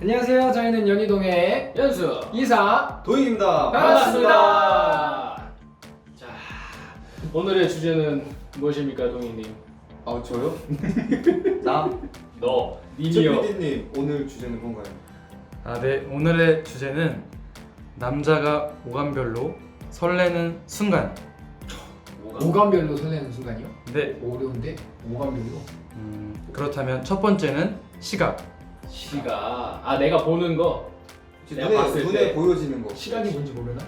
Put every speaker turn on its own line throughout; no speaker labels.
안녕하세요. 저희는 연희동의
연수
이사
도희입니다.
반갑습니다.
자, 오늘의 주제는 무엇입니까, 동희님?
아 저요? 나?
너, 님이요.
PD님 오늘 주제는 뭔가요?
네. 오늘의 주제는 남자가 오감별로 설레는 순간.
오감별로 설레는 순간이요?
네.
어려운데? 오감별로?
그렇다면 첫 번째는 시각.
시가 내가 보는 거. 내가 봤을
눈에
때.
보여지는 거.
시각이 뭔지 모르나?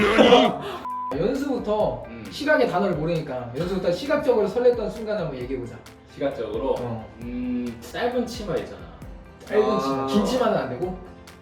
연수부터 시각의 단어를 모르니까 연수부터 시각적으로 설렜던 순간 한번 얘기해보자.
시각적으로. 짧은 치마 있잖아.
짧은 치마, 긴 치마는 안 되고?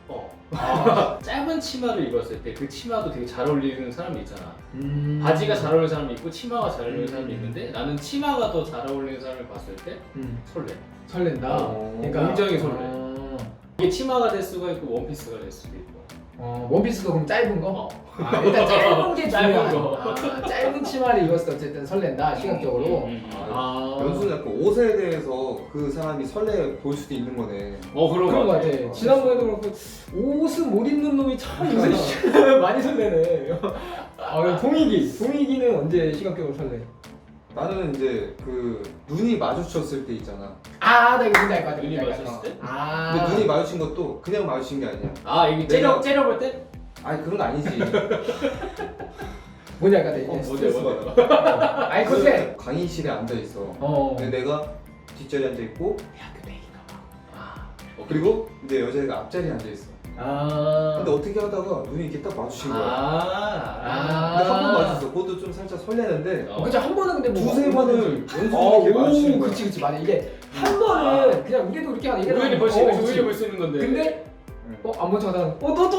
짧은 치마를 입었을 때 그 치마도 되게 잘 어울리는 사람이 있잖아. 바지가 잘 어울리는 사람이 있고 치마가 잘 어울리는 사람이 있는데 나는 치마가 더 잘 어울리는 사람을 봤을 때 설레.
설렌다. 그러니까
굉장히 설레. 이게 치마가 될 수가 있고 원피스가 될 수도 있고.
원피스도 그럼 짧은 거? 일단 짧은 게
짧은
중요하다.
거.
짧은 치마를 입었을 때 어쨌든 설렌다 시각적으로.
연수는 약간 옷에 대해서 그 사람이 설레 보일 수도 있는 거네.
그런 거 같아. 지난번에도 그렇고 옷은 못 입는 놈이 참 요새 많이 설레네. 동익이는 언제 시각적으로 설레?
나는 이제 그 눈이 마주쳤을 때 있잖아.
나 이거 뭔지 알 것 같아.
눈이
뭔지 알 것
마주쳤을 때?
같아.
근데 눈이 마주친 것도 그냥 마주친 게 아니야.
이게
내가-
째려볼 때?
아니 그런 거 아니지.
뭔지 알 것 같아.
뭐지?
스트레스 받아.
아이 컨셉.
강의실에 앉아 있어. 근데 내가 뒷자리에 앉아 있고
대학교 때인가 봐.
그리고 이제 여자애가 앞자리에 앉아 있어. 근데 어떻게 하다가 눈이 이렇게 딱 마주친 거야. 근데 한 번 마주쳤어. 그것도 좀 살짝 설레는데
그치 한 번은 근데 뭐
두세 번을 연속으로 이렇게 마주치는 거야.
그치 맞아. 이게 한 번은 그냥 우리도 이렇게 하는 이게
우연히 볼 수 있는 건데.
근데 안 본 척하다가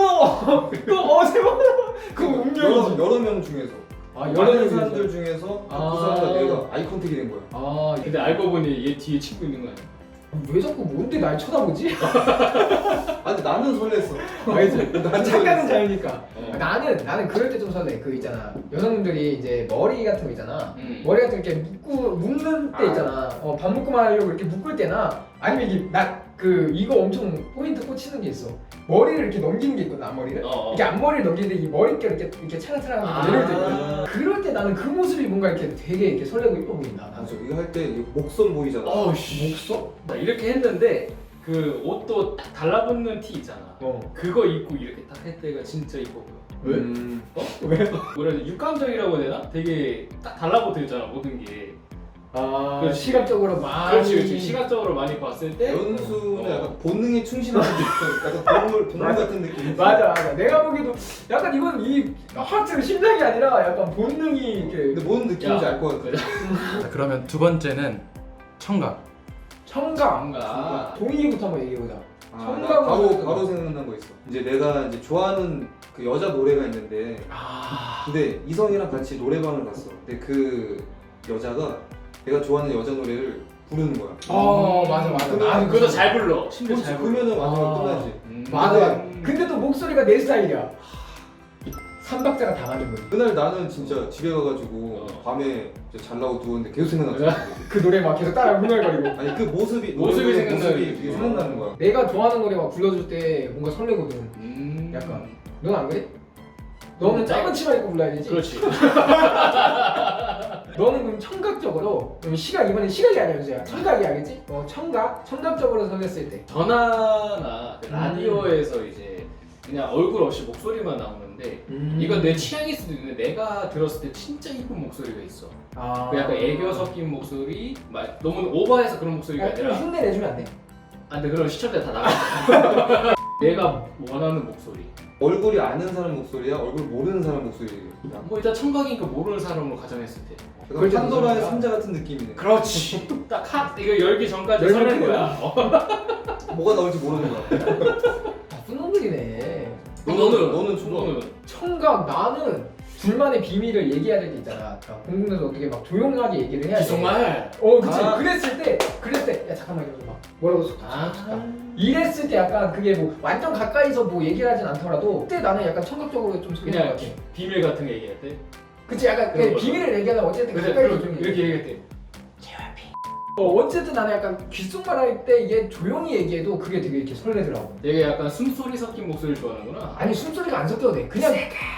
또세 번. 그 운명이지.
여러 명 중에서
여러
많은
명
사람들 중에서 그 사람과 내가 아이 컨택이 된 거야.
근데 알고 보니 얘 뒤에 친구 있는 거 아니야?
왜 자꾸 뭔데 날 쳐다보지?
근데 나는 설렜어.
알지?
난
착각은
설렜어.
자유니까. 나는 그럴 때 좀 설레. 그 있잖아. 여성분들이 이제 머리 같은 거 있잖아.
머리
머리 같은 거 이렇게 묶는 때 있잖아. 밥 묶고만 하려고 이렇게 묶을 때나 아니면 이게 이거 엄청 포인트 꽂히는 게 있어. 머리를 이렇게 넘기는 게 있거든, 앞머리를. 이렇게 앞머리를 넘기는데 이 머릿결 이렇게 차랑차랑하게 내려올 때 있거든. 그럴 때 나는 그 모습이 뭔가 이렇게 되게 이렇게 설레고 이뻐 보인다. 나는.
맞아. 이거 할 때 목선 보이잖아.
목소?
나 이렇게 했는데 그 옷도 딱 달라붙는 티 있잖아. 그거 입고 이렇게 딱 할 때가 진짜 이뻐 보여.
왜?
왜? 뭐라 해야 돼? 육감적이라고 해야 되나? 되게 딱 달라붙어 있잖아, 모든 게.
그렇지. 시각적으로 많이.
그렇지. 시각적으로 많이 봤을 때.
연수는 약간 본능에 충실한 게 있어. 약간 동물 같은 느낌.
맞아. 내가 보기에도 약간 이건 이 하트 심장이 아니라 약간 본능이 이렇게.
근데 뭔 느낌인지 알 것 같아.
자, 그러면 두 번째는 청각.
청각. 동의부터 한번 얘기해보자.
나
청각으로
바로 생각난 거 있어. 이제 내가 이제 좋아하는 그 여자 노래가 있는데, 근데 이성이랑 같이 노래방을 갔어. 근데 그 여자가 내가 좋아하는 여자 노래를 부르는 거야.
맞아.
그것도 잘 불러. 심지어 잘 불러.
그러면은 완전 끝나지.
맞아. 근데 또 목소리가 내 스타일이야. 삼박자가 다 맞는 거지.
그날 나는 진짜 집에 가가지고 밤에 이제 잘라고 누웠는데 계속 생각났어.
그 노래 막 계속 따라 흥얼거리고.
아니 그 모습이
생각나는
되게 생각나는 거야.
내가 좋아하는 노래 막 불러줄 때 뭔가 설레거든. 약간. 넌 안 그래? 너는 짧은 치마 입고 불러야 되지?
그렇지.
너는 그럼 청각적으로 이번엔 시각이 아니야 유재야. 청각이 알겠지? 청각적으로 설렜을 때.
전화나 그 라디오에서 이제 그냥 얼굴 없이 목소리만 나오는데 이건 내 취향일 수도 있는데 내가 들었을 때 진짜 이쁜 목소리가 있어. 그 약간 애교 섞인 목소리, 너무 오버해서 그런 목소리가 아니라.
흉내 내주면 안 돼?
근데 그럼 시청자 다 나가. 내가 원하는 목소리.
얼굴이 아는 사람 목소리야? 얼굴 모르는 사람 목소리야?
뭐 일단 청각이니까 모르는 사람으로 가정했을 때.
그럴 때도
판도라의
그러니까.
상자 같은 느낌이네.
그렇지. 딱 이거 열기 전까지
열면
설레는 거야.
뭐가 나올지 모르는 거야.
나쁜 놈들이네.
너는
청각 나는 둘만의 비밀을 얘기해야 될 때 있잖아. 공공에서 어떻게 막 조용하게 얘기를 해야 돼.
정말.
그치. 그랬을 때 야 잠깐만 이러면서 막 뭐라고 이랬을 때 약간 그게 뭐 완전 가까이서 뭐 얘기를 하진 않더라도 그때 나는 약간 청각적으로 좀 설레는 것
그냥
같아.
비밀 같은 거 얘기할 때.
그치 약간
그런
그
거죠.
비밀을 얘기하면 어쨌든 가까이서 좀
이렇게 얘기할 때.
JYP 어쨌든 나는 약간 귓속말 할 때 이게 조용히 얘기해도 그게 되게 이렇게 설레더라고.
되게 약간 숨소리 섞인 목소리를 좋아하는구나.
아니 숨소리가 안 섞여도 돼. 그냥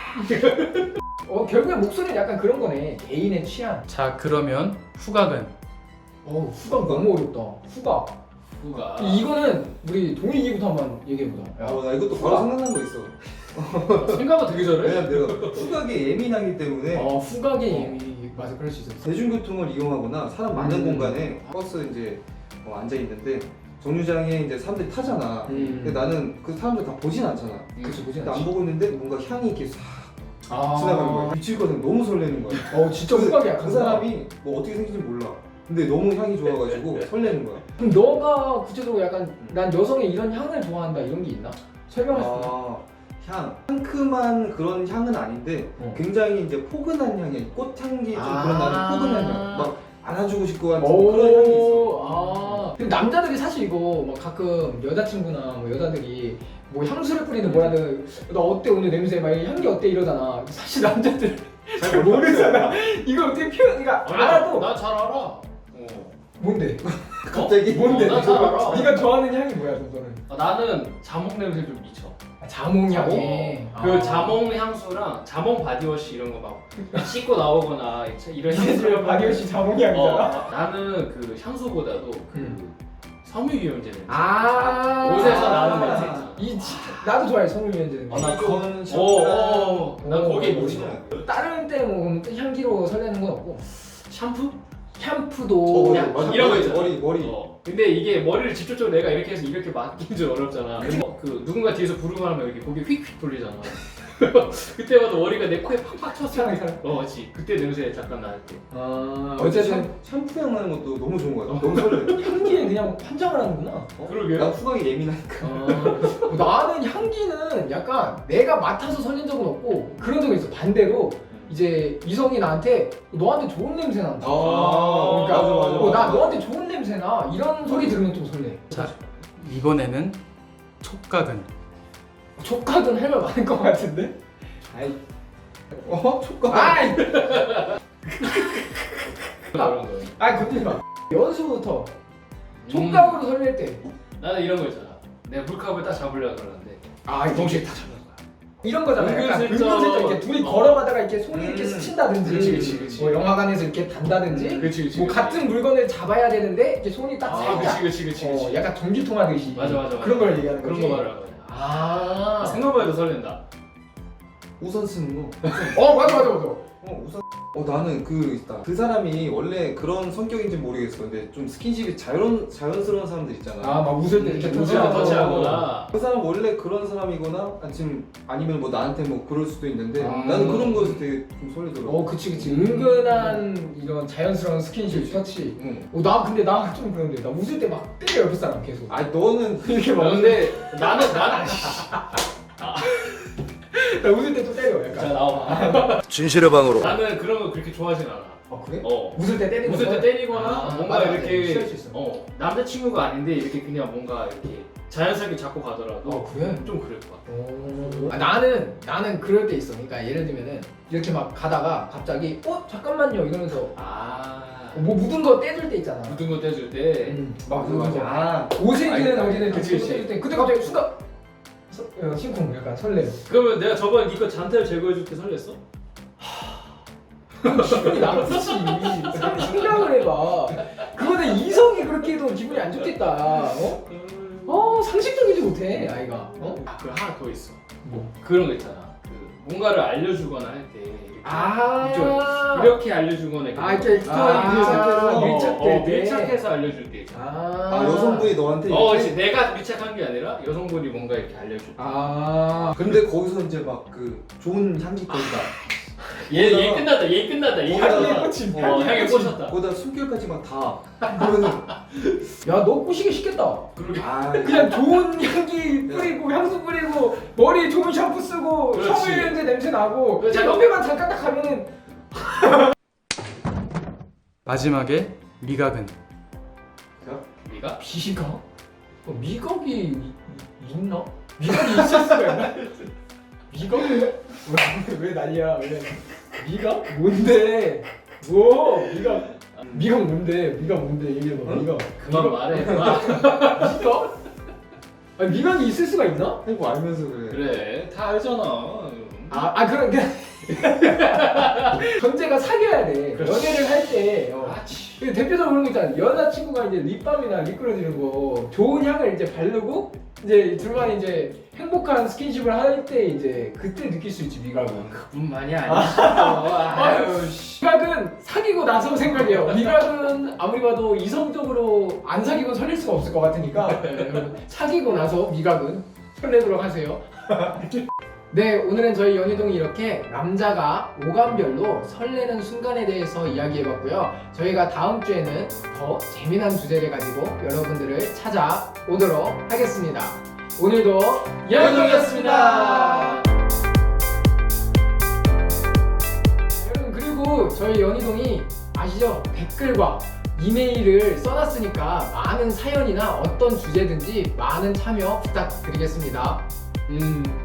결국에 목소리는 약간 그런 거네. 개인의 취향.
자 그러면 후각은
후각 너무 어렵다. 후각.
후가.
이거는 우리 동익이부터 한번 얘기해보자.
나 이것도 바로 생각난 거 있어.
생각은 되게 잘해.
왜냐면 내가 후각에 예민하기 때문에
후각이 맞아, 그럴 수 있어.
대중교통을 이용하거나 사람 많은 공간에 버스 이제 앉아 있는데 정류장에 이제 사람들이 타잖아. 근데 나는 그 사람들 다 보진 않잖아.
그치, 보진
근데 안
않지.
보고 있는데 뭔가 향이 이렇게 싹 지나가는 거야. 미치거든. 너무 설레는 거야.
진짜 후각이 약한
그 사람이 뭐 어떻게 생긴지 몰라. 근데 너무 향이 좋아가지고 설레는 거야.
그럼 너가 구체적으로 약간 난 여성의 이런 향을 좋아한다 이런 게 있나? 설명할 수 있나?
향. 상큼한 그런 향은 아닌데 굉장히 이제 포근한 향이 꽃향기 좀 그런 나는 포근한 향. 막 안아주고 싶고 같은 그런 향이 있어.
근데 남자들이 사실 이거 막 가끔 여자친구나 뭐 여자들이 뭐 향수를 뿌리는 뭐라든 너 어때 오늘 냄새 막 향기 어때 이러잖아. 사실 남자들 잘 모르잖아. 이걸 어떻게 표현이가 알아도
나 잘 알아.
뭔데?
갑자기
뭔데?
나 잘 알아.
네가 좋아하는 향이 뭐야 너는?
나는 자몽 냄새 좀 미쳐.
자몽 향이.
그 자몽 향수랑 자몽 바디워시 이런 거 막 씻고 나오거나 이런
이제 바디워시 자몽 향이잖아.
나는 그 향수보다도 그 섬유유연제 냄새.
옷에서
나는 냄새 있잖아.
나도 좋아해 섬유유연제 냄새.
나 그거는
난 거기에 미쳐.
다른 때뭐 향기로 설레는 건 없고.
샴푸?
샴푸도
맞아.
이런 거 있잖아.
머리.
근데 이게 머리를 직접적으로 내가 이렇게 해서 이렇게 맡긴 줄 어렵잖아. 그 누군가 뒤에서 부르고 하면 이렇게 고개 휙휙 돌리잖아. 그때마다 머리가 내 코에 팍팍 쳤어. 그렇지. 그때 냄새 잠깐 나을 때.
어쨌든
샴푸 향 나는 것도 너무 좋은 거야. 너무 설레.
향기에 그냥 환장을 하는구나.
그러게.
나 후각이 예민하니까.
나는 향기는 약간 내가 맡아서 설렌 적은 없고 그런 적이 있어. 반대로 이제 이성이 나한테 너한테 좋은 냄새 난다. 그러니까
맞아.
나 너한테 좋은 냄새 나 이런 소리 들으면 좀 설레.
자 이번에는 촉각은
촉각은 할 말 많을 것 같은데.
아이. 촉각.
아이.
그런 거.
건들지 마. 연수부터 촉각으로 설렐 때.
나는 이런 거 있잖아. 내가 물컵을 딱 잡으려고 그러는데
동시에 다 잡는 거야. 이런 거잖아. 약간
은근슬쩍.
은근슬쩍 이렇게 둘이 걸어가다가 이렇게 손이 이렇게 스친다든지,
그치.
뭐 영화관에서 이렇게 단다든지,
그치.
뭐 같은 물건을 잡아야 되는데 이렇게 손이 딱 살짝,
그치.
약간 전기통 하듯이
맞아.
그런 걸 얘기하는
그런
거지.
거 말하는 거야. 생각만 해도 설렌다.
우선 쓰는 거.
맞아.
우선. 나는 그 있다. 그 사람이 원래 그런 성격인지 모르겠어. 근데 좀 스킨십이 자연스러운 사람들 있잖아.
막 웃을 때 이렇게
터치하거나.
그 사람 원래 그런 사람이거나 아니면 뭐 나한테 뭐 그럴 수도 있는데 나는 그런 거에서 되게 좀 설레더라고.
그치. 은근한 이런 자연스러운 스킨십, 터치. 나 근데 나 좀 그런데 나 웃을 때 막 때려 옆에 사람 계속.
너는
이렇게 막.
근데 나는
나 웃을 때 좀 때려 약간.
자 나와봐.
진실의 방으로.
나는 그런 거 그렇게 좋아하진 않아.
그래?
어.
웃을 때 때리는
웃을 때
거?
때리거나 뭔가
맞아.
이렇게
싫을 수 있어.
남자친구가 아닌데 이렇게 그냥 뭔가 이렇게 자연스럽게 잡고 가더라도
그래?
좀 그럴 것 같아.
나는 그럴 때 있어. 그러니까 예를 들면은 이렇게 막 가다가 갑자기 잠깐만요 이러면서 뭐 묻은 거 떼줄 때 있잖아.
묻은 거 떼줄 때
막
맞아.
옷이든 어디든
그치.
떼줄 때 그때 갑자기 순간 심쿵 약간 설레.
그러면 내가 저번에 니거 잔태를 제거해줄 때 설렜어?
기분이 나쁘지. 생각을 해봐. 그거는 이성이 그렇게 해도 기분이 안 좋겠다. 상식적이지 못해 아이가.
그 하나 더 있어.
뭐?
그런 거 있잖아. 그 뭔가를 알려주거나 할 때 이렇게 알려주거나
이렇게 밀착될 때.
밀착해서 알려줄 때 있잖아.
여성분이 너한테 이렇게?
그치. 내가 밀착한 게 아니라 여성분이 뭔가 이렇게 알려줄 때.
근데 거기서 이제 막 그 좋은 향기거리다.
얘 끝났다. 얘
향기에 꽂힌.
향에 꽂혔다.
거기다 숨결까지 막 다. 그러면은
야 너 꼬시기 쉽겠다.
그러게.
그냥 좋은 향기 뿌리고 향수 뿌리고 머리에 좋은 샴푸 쓰고
그렇지.
섬유유연제 냄새 나고
그렇지.
옆에만 잠깐 딱 가면은.
마지막에 미각은
네가?
미각? 미각이 있나? 미각이 있을 수가 있나? 미각? 왜 난리야? 미각? 뭔데? 미각? 미각 뭔데? 미각 뭔데? 얘기해봐.
응?
미각.
그만 말해. 그만.
미각? 아니 미각이 있을 수가 있나?
아니 뭐 알면서 그래.
그래 다 알잖아.
그런 게 전제가 사귀어야 돼.
그렇지.
연애를 할 때.
그렇지.
그 대표적으로 그런 거 있잖아. 여자친구가 이제 립밤이나 립글로즈 이런 거 좋은 향을 이제 바르고 이제 둘만 이제 행복한 스킨십을 할 때 이제 그때 느낄 수 있지 미각은.
그뿐만이 아니지. 아유 씨.
미각은 사귀고 나서 생각해요. 미각은 아무리 봐도 이성적으로 안 사귀고 설렐 수가 없을 것 같으니까 여러분 사귀고 나서 미각은 설레도록 하세요. 네, 오늘은 저희 연희동이 이렇게 남자가 오감별로 설레는 순간에 대해서 이야기해봤고요. 저희가 다음 주에는 더 재미난 주제를 가지고 여러분들을 찾아오도록 하겠습니다. 오늘도 연희동이었습니다. 여러분 그리고 저희 연희동이 아시죠? 댓글과 이메일을 써놨으니까 많은 사연이나 어떤 주제든지 많은 참여 부탁드리겠습니다.